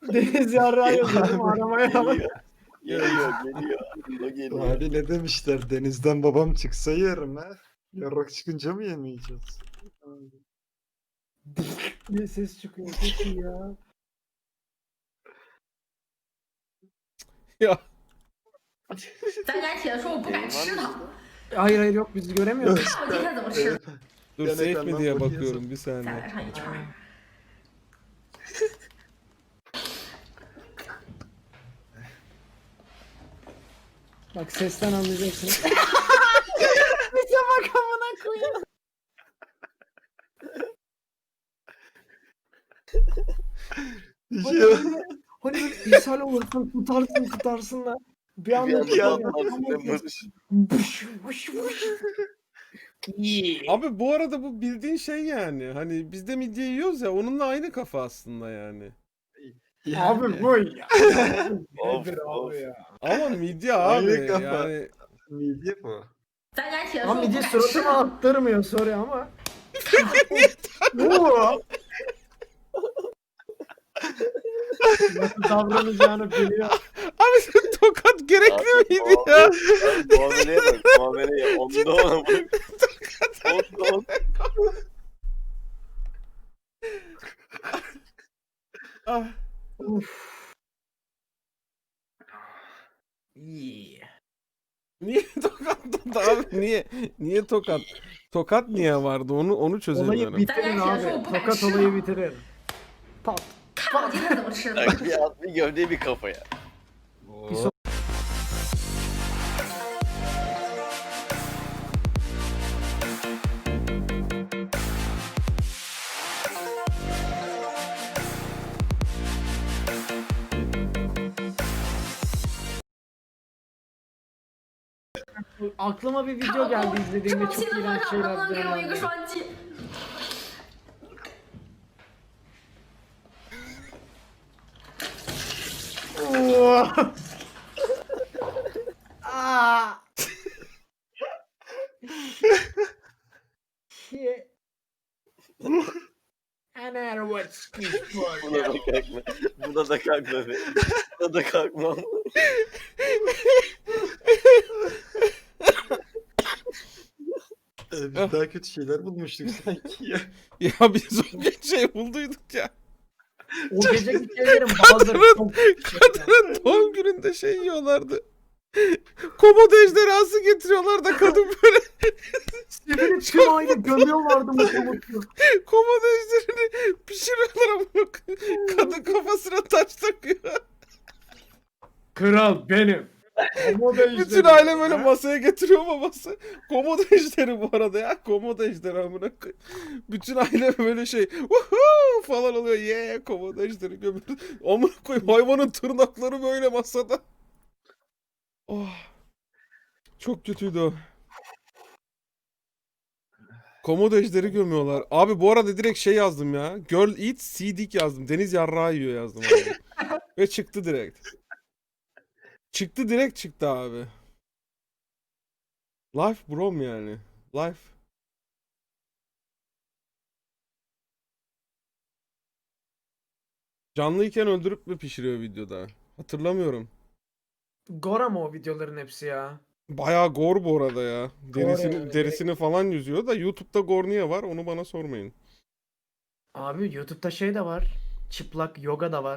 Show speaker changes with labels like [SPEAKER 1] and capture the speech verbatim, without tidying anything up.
[SPEAKER 1] Deniz yarrağı yazıyorum aramaya bak.
[SPEAKER 2] Geliyor. Geliyor, geliyor. O geliyor.
[SPEAKER 3] Hadi ne demişler? Denizden babam çıksa yerim ha. Yarrak çıkınca mı yemeyeceğiz?
[SPEAKER 1] diye ses çıkıyor. Çok iyi ya.
[SPEAKER 4] Ya
[SPEAKER 5] 咱敢写的说我不敢吃它，
[SPEAKER 1] Hayır hayır yok biz göremiyoruz.
[SPEAKER 5] 看我今天怎么吃。
[SPEAKER 4] dur
[SPEAKER 3] Gene
[SPEAKER 4] safe mi
[SPEAKER 3] kandan
[SPEAKER 4] diye
[SPEAKER 3] bakıyorsun.
[SPEAKER 4] bakıyorum bir
[SPEAKER 5] 再
[SPEAKER 4] saniye.
[SPEAKER 5] 来上一圈儿。
[SPEAKER 1] Bak sesten anlayacaksın. Sese bak amına koyayım.
[SPEAKER 3] Bir
[SPEAKER 1] Hani
[SPEAKER 3] şey
[SPEAKER 1] böyle, hani böyle ishal olursun tutarsın tutarsın da bir
[SPEAKER 2] Bir
[SPEAKER 1] anda
[SPEAKER 2] anda
[SPEAKER 1] tutamıyorsun.
[SPEAKER 2] patlarsın demiş.
[SPEAKER 1] Bış, bış, bış.
[SPEAKER 4] Abi bu arada bu bildiğin şey yani. Hani biz de midye yiyoruz ya onunla aynı kafa aslında yani.
[SPEAKER 1] Abi bu ya.
[SPEAKER 2] Of,
[SPEAKER 1] Nedir
[SPEAKER 2] of.
[SPEAKER 1] abi ya?
[SPEAKER 4] Ama midye
[SPEAKER 3] Aynı
[SPEAKER 4] abi
[SPEAKER 3] kafa.
[SPEAKER 4] yani.
[SPEAKER 3] Midye bu.
[SPEAKER 5] 咱敢写的说
[SPEAKER 1] Ama
[SPEAKER 5] 我不
[SPEAKER 1] midye
[SPEAKER 5] 敢吃
[SPEAKER 1] suratıma
[SPEAKER 5] 它，
[SPEAKER 1] attırmıyor sorry ama. Bu. Nasıl davranacağını biliyor.
[SPEAKER 4] Abi sen tokat gerekli miydi ya?
[SPEAKER 2] Muameleye bak, muameleye. Onda ona bak. Onda ona.
[SPEAKER 4] Ah.
[SPEAKER 1] Uf. Yeah.
[SPEAKER 4] Niye tokat tuttu abi? Niye? Niye tokat? Tokat niye vardı? Onu onu
[SPEAKER 1] Olayı
[SPEAKER 4] çözemiyorum.
[SPEAKER 1] bitirin abi. Tokat olayı bitirir. Pat.
[SPEAKER 5] 看我今天怎么吃的。
[SPEAKER 2] Bak bir at bir gövde bir kafaya.
[SPEAKER 1] Bir so- Aklıma bir
[SPEAKER 5] 看
[SPEAKER 1] video
[SPEAKER 5] 我
[SPEAKER 1] geldi
[SPEAKER 5] 这
[SPEAKER 1] izlediğimde
[SPEAKER 5] 么
[SPEAKER 1] çok
[SPEAKER 5] 气的
[SPEAKER 1] iğrenç
[SPEAKER 5] 饭上，能不
[SPEAKER 1] şeyler
[SPEAKER 5] 能给我一个
[SPEAKER 1] canlandı.
[SPEAKER 5] 双击？
[SPEAKER 1] Aa. Shit. Ana what's
[SPEAKER 2] Buna da kalkma. Buna da kalkma be. Buna da kalkmam.
[SPEAKER 3] Ee, biz daha kötü şeyler bulmuştuk sanki ya.
[SPEAKER 4] Ya biz o gün şey bulduyduk ya.
[SPEAKER 1] O geceki şeylerin bazıları çok
[SPEAKER 4] Kadının doğum gününde şey yiyorlardı. Komodo ejderhası getiriyorlar da kadın böyle
[SPEAKER 1] sivri tüm aile gömüyorlardı mutlu mutlu.
[SPEAKER 4] komodo ejderini pişiriyorlar ama kadın kafasına taş takıyor.
[SPEAKER 1] Kral benim. Ama da
[SPEAKER 4] Bütün aile böyle masaya getiriyor babası. Komodo ejderi bu arada ya. Komodo ejderi amına koy. Bütün aile böyle şey Woohoo! Falan oluyor. Yeah, komodo ejderi gömüyor. Amına koyayım hayvanın tırnakları böyle masada. Oh. Çok kötüydü o. Komodo ejderi gömüyorlar. Abi bu arada direkt şey yazdım ya. Girl eat sea dick yazdım. Deniz yarrağı yiyor yazdım abi. Ve çıktı direkt. Çıktı direkt çıktı abi. Life brom yani. Life. Canlıyken öldürüp mü pişiriyor videoda? Hatırlamıyorum.
[SPEAKER 1] Gora mı o videoların hepsi ya?
[SPEAKER 4] Bayağı gore bu arada ya. Derisini,
[SPEAKER 1] yani,
[SPEAKER 4] derisini falan yüzüyor da YouTube'da gore niye var onu bana sormayın.
[SPEAKER 1] Abi YouTube'da şey de var. Çıplak yoga da var.